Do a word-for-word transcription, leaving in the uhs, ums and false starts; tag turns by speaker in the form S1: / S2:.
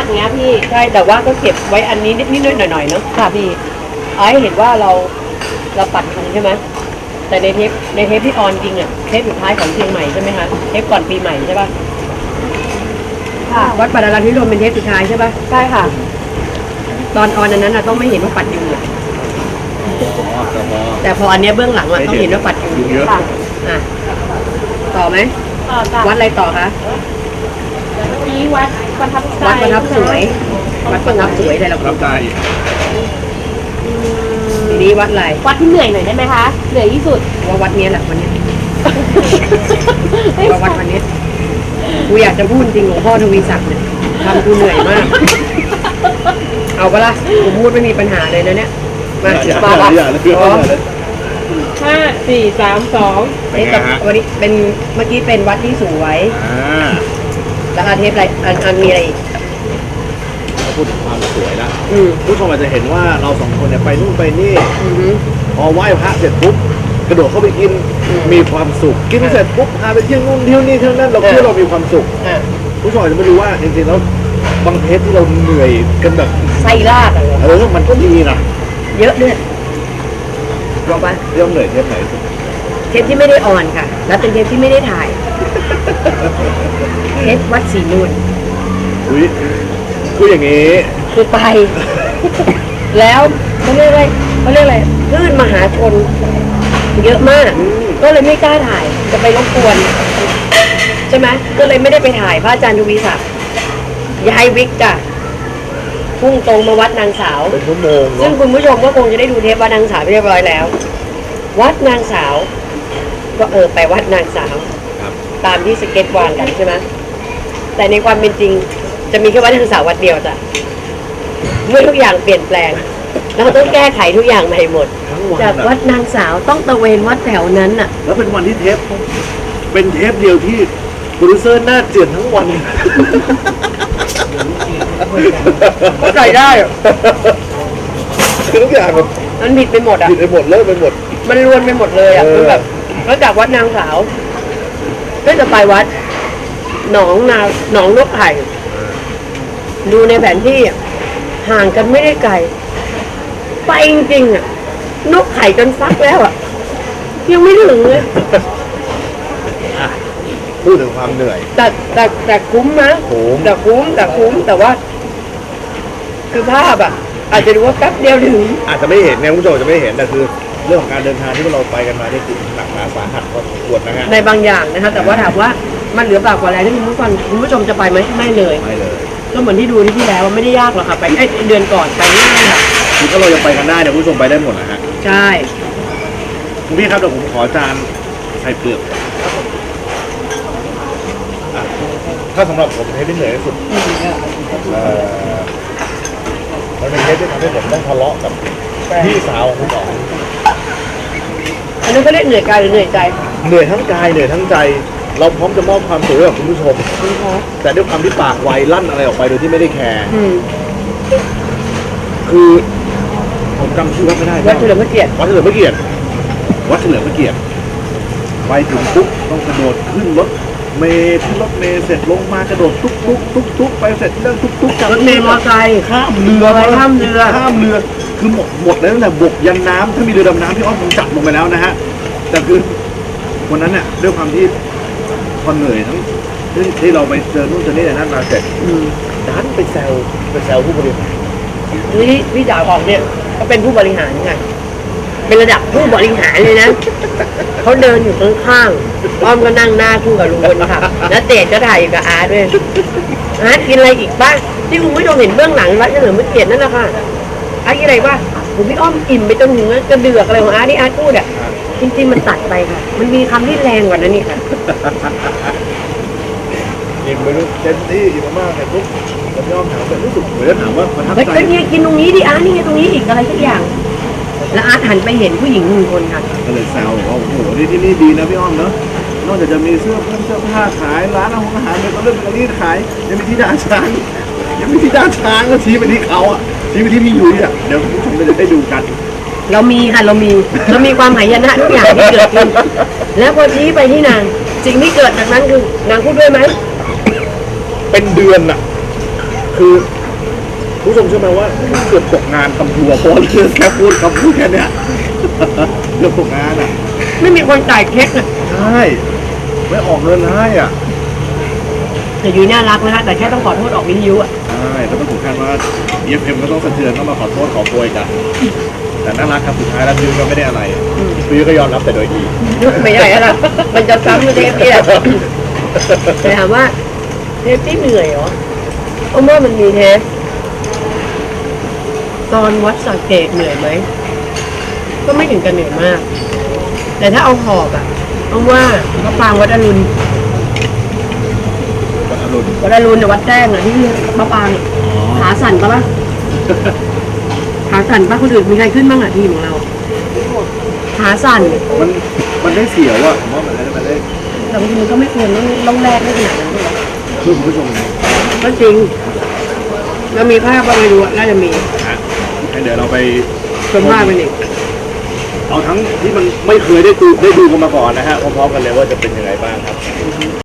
S1: เงี้ยพี่
S2: ใช่แต่ว่าก็เก็บไว้อันนี้นิดๆหน่อยๆเนาะค่ะพี่ไอ้เห็นว่าเราเราปัดทันใช่ไหมแต่ในเทปในเทปที่ออนจริงอ่ะเทปสุดท้ายของเชียงใหม่ใช่ไหมคะเทปก่อนปีใหม่ใช่ป่ะค่ะวัดปัดอรัญญพิรมเป็นเทปสุดท้ายใช่ป่ะใช่ค่ะตอนออนอันนั้นอ่ะต้องไม่เห็นว่าปัดยุงอ่ะแต่พออันเนี้ยเบื้องหลังอ่ะต้องเห็นว่าปัดยุงเยอะค่ะอ่ะต่อไหมวัดอะไรต่อคะ
S1: นี้วัดประทับใจ
S2: วัดประทับสวยวัดประทับสวยอะไรเรา
S3: รับใจ
S2: ทีนี้วัดอะไร
S1: วัดที่เหนื่อยหน่อยได้ไหมคะเหนื่อยที่สุด
S2: ว่าวัดนี้แหละวันนี้ว่าวัดวันนี้กูอยากจะพูดจริงหลวงพ่อทวีศักดิ์เนี่ยทำกูเหนื่อยมากเอาปะล่ะกูพูดไม่มีปัญหาเลยนะเนี่ยมาถือปลาปะ
S1: ห้าสี่สามสอง
S2: เอ๊ะแต่วันนี้เป็นเมื่อกี้เป็นวัดที่สวยแล้วอาเทปอะไรอันอันมีอะไรอีก
S3: พูดถึงความสวยแล้วผู้ชมอาจจะเห็นว่าเราสองคนเนี่ยไปนู่นไปนี่พอไหว้พระเสร็จปุ๊บกระโดดเข้าไปกินมีความสุขกินเสร็จปุ๊บพาไปเที่ยวนู่นเที่ยวนี่เที่ยวนั่นเราคิดว่าเรามีความสุขผู้ชมอาจจะไม่รู้ว่าจริงๆแล้วบางเทปที่เราเหนื่อยกันแบบ
S2: ไส้ลากอะไร
S3: เออมันก็ดีนะ
S2: เยอะด้วยบอกว่า
S3: เรื่องเหนื่อยเทปไหน
S2: เทปที่ไม่ได้ออนค่ะแล้วเป็นเทปที่ไม่ได้ถ่ายเทปวัดศรีนูน
S3: อุ้ยคืออย่างนี้
S2: คือไปแล้วเขาเรียกอะไรเขาเรียกอะไรคลื่นมหาชนเยอะมากก็เลยไม่กล้าถ่ายจะไปรบกวนใช่ไหมก็เลยไม่ได้ไปถ่ายพระอาจารย์ทวีศักดิ์ย้ายวิกจ้ะพุ่งตรงมาวัดนางสาว
S3: เป็นชั่วโมง
S2: ซึ่งคุณผู้ชมก็คงจะได้ดูเทปวัดนางสาวเรียบร้อยแล้ววัดนางสาวก็เออไปวัดนางสาวตามที่สเก็ตวางกันใช่ไหมแต่ในความเป็นจริงจะมีแค่วัดนางสาววัดเดียวจ้ะเมื่อทุกอย่างเปลี่ยนแปลงเราต้องแก้ไขทุกอย่างใหม่หมดจากวัดนางสาวต้องตะเวนวัดแถวนั้นน่ะ
S3: แล้วเป็นวันที่เทปเป็นเทปเดียวที่โปรดิวเซอร์หน้าเจือนทั้งวัน
S2: ก็ใส่ได้
S3: คือทุกอย่างแบบ
S2: มันผิดไปหมดอ่ะ
S3: ผิดไปหมดเลิกไปหมด
S2: มันรวนไปหมดเลยอ่ะคือแบบแล้วจากวัดนางสาวก็จะไปวัดหนองนาหนองนกไข่ดูในแผนที่ห่างกันไม่ได้ไกลไปจริงๆอ่ะนกไข่จนฟักแล้วอ่ะยังไม่ถึงเลย
S3: พูดถึงความเหนื่อย
S2: แต่แต่แต่คุ้มนะแต่คุ้มแต่คุ้มแต่ว่าคือภาพอ่ะอาจจะดูว่าแป๊บเดียวถึง
S3: อาจจะไม่เห็นไงคุณผู้ชมจะไม่เห็นแต่คือเรื่องของการเดินทางที่เราไปกันมาที่หนักหนาสาหัสพอสมควรนะฮะ
S2: ในบางอย่างนะคะแต่ว่าถามว่ามันเหลือเปล่ากว่าแรงที่คุณผู้ฟังคุณผู้ชมจะไปไหมไม่เลย
S3: ไม่เลย
S2: ก็เหมือนที่ดูที่ที่แล้วไม่ได้ยากหรอกค่ะไปไอ้เดือนก่อนไปง่ายค่ะ
S3: คือถ้าเรายังไปกันได้เนี่ยคุณผู้ชมไปได้หมดนะฮะ
S2: ใช่
S3: คุณพี่ครับเดี๋ยวผมขอจานใส่เปลือกถ้าสำหรับผมเทปที่เหนื่อยที่สุดมันเป็นเทปที่ทำให้ผมต้องทะเลาะกับพี่สาวของคุณอ๋อง
S2: อันนั้นก็เรียกเหนื่อยกายหรือเหนื่อยใจ
S3: เหนื่อยทั้งกายเหนื่อยทั้งใจเราพร้อมจะมอบความสุขให้กับคุณผู้ชมแต่ด้วยความที่ปากไวลั่นอะไรออกไปโดยที่ไม่ได้แคร์คือผมจำชื่อวัดไม่ได้
S2: วัดเฉลิมพระเกียรติ
S3: วัดเฉลิมพระเกียรติวัดเฉลิมพระเกียรติไปถึงปุ๊บต้องกระโดดขึ้นรถเมล์ที่รถเมล์เสร็จลงมากระโดดตุ๊กตุ๊กตุ๊กตุ๊กไปเสร็จเรื่องตุ๊กตุ๊ก
S2: จากรถเมล์มอเตอร์ไซค์
S3: ข้ามเรือ
S2: ไปข้ามเรือ
S3: ข้ามเรือคือหมดหมดแล้วตั้งแต่บกยันน้ำถ้ามีเรือดำน้ำพี่อ้อมคงจับลงไปแล้วนะฮะแต่คือวันนั้นเนี่ยด้วยความที่พอเหนื่อยทั้งที่เราไปเจอนู่นเจอนี่นั่นมาเสร็จดันไปแซวไปแซวผู้บริหาร
S2: นี่พี่จ๋าของเนี่ยเขาเป็นผู้บริหารไงเป็นระดับผู้บริหารเลยนะเขาเดินอยู่ข้างๆอ้อมก็นั่งหน้าคู่กับลุงคนค่ะแล้วเต๋ก็ถ่ายอยู่กับอาร์ตด้วยอาร์ตกินอะไรอีกบ้างที่คุณผู้ชมเห็นเบื้องหลังวัดเฉลิมพระเกียรตินั่นแหละค่ะอาร์ตกินอะไรบ้างผมพี่อ้อมอิ่มไปจนถึงกระเดือกอะไรของอาร์ตที่อาร์ตพูดอ่ะจริงๆมันตัดไปค่ะมันมีคำที่แรงกว่านั้นนี่ค่ะ
S3: อิ่มไปรู้เต็มที่อิ่มมากเลยปุ๊บแล้วพี่อ้อมถามแบบรู้สึกเหมือนถามว่าประทับใจ
S2: เนี่ยกินตรงนี้ดิอาร์ตนี่ตรงนี้อีกอะไรสักอย่างแล้วอาร์ตหันไปเห็นผู้หญิงหนึ่งคนค่ะ
S3: ก็เลยแซวว่าโอ้โหนี่ที่นี่ดีนะพี่อ้อมเนาะนอกจากจะมีเสื้อเสื้อผ้าขายร้านอาหารอาหารมีก็เรื่องการรีดขายยังมีที่ด่านช้างยังมีที่ด่านช้างก็ชี้ไปที่เขาอ่ะชี้ไปที่พี่ยุ้ยอ่ะเดี๋ยวผู้ชมจะได้ดูกัน
S2: เรามีค่ะเรามีเรามีความหายนะทุกอย่างที่เกิดขึ้นแล้วพอชี้ไปที่นางสิ่งที่เกิดจากนั้นคือนางพูดด้วยไหม
S3: เป็นเดือนอ่ะคือผู้ชมเชื่อไหมว่าเกือบตกงานทำทัวร์เพราะเรื่องแค่พูดคำพูดแค่เนี้ยเกือบตกงานอ่ะ
S2: ไม่มีคนจ่ายเช็คอะ
S3: ใช่ไม่ออกเงินให้อ่ะ
S2: แต่ยุ้ยน่ารักนะคะแต่แค่ต้องขอโทษออกวิทยุอะ
S3: ใช่ก็ต้องถึงขั้นว่า อี เอฟ เอ็ม ก็ต้องสะเทือนต้องมาขอโทษขอโพยกันแต่น่ารักครับสุดท้ายแล้วพี่ก็ไม่ได้อะไรพี่ก็ยอมรับแต่โดยดี
S2: ไม่ได้แล้วล่ะมันจะซ้ำกับเทปนี่แหละแต่ถามว่าเทปที่เหนื่อยเหรอเอาว่ามันมีเทปตอนวัดสังเกตเหนื่อยไหมก็ไม่ถึงกับเหนื่อยมาก แต่ถ้าเอาหอบอะเอาว่าพระปรางวัดอรุณ
S3: วัดอรุณ
S2: วัดอรุณเนี่ยวัดแจ้งอะที่พระปรางขาสั่นปะล่ะขาสั่นปะคนอื่นมีใครขึ้นบ้างอะทีมของเราขาสั่น
S3: มันมันได้เสียวอ่ะผมว่ามันได้มันได้
S2: แต่บางทีมันก็ไม่ควรต้องต้องแลกได้ขนาดนั้นด้วย
S3: คือคุณผู้ชมนะ
S2: ก็จริงแล้วมีภาพว่าไม่รู้อะน่าจะมี
S3: ฮะงั้นเดี๋ยวเราไป
S2: ชมภาพมันอีก
S3: เอาทั้งที่มันไม่เคยได้ดูได้ดูกันมาก่อนนะฮะพร้อมๆกันเลยว่าจะเป็นยังไงบ้างครับ